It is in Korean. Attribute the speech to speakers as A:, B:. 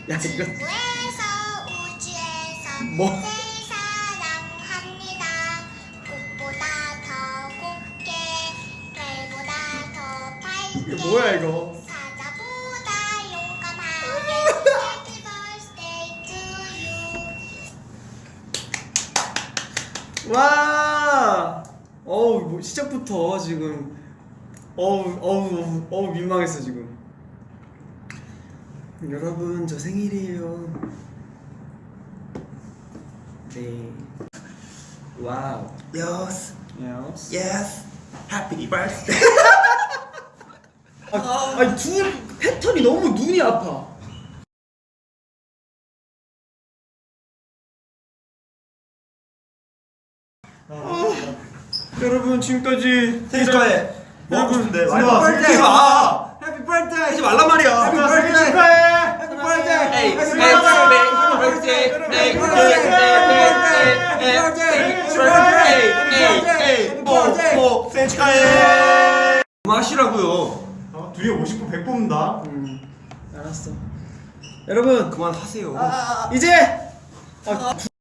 A: 야 이거
B: 지구에서 우주에서
A: 뭐?
B: 늘 사랑합니다. 꽃보다 더 곱게 별보다 더 밝게
A: 이거 뭐야 이거?
B: 사자보다 용감하게 Happy birthday to you.
A: 와. 어우 뭐 시작부터 지금 어우 민망했어 지금. 여러분 저 생일이에요. 네. 와우.
C: Yes,
A: Yes.
C: yes. Happy birthday.
A: 아니 두 패턴이 너무 눈이 아파. 여러분 지금까지
C: 생일 축하해. 뭐 하고 싶은데? 많이
A: 누나,
C: 하지
A: 생일
C: 마.
A: 해피 버스데이.
C: 하지 말란 말이야.
A: 해피 버스데이 축하해. 해피 버스데이.
C: Hey,
A: 해피
C: hey,
A: 버스데이.
C: hey, 뭐 생일 축하해. 마시라고요.
D: 둘이 50분 100 뽑는다.
A: 알았어. 여러분
C: 그만하세요.
A: 이제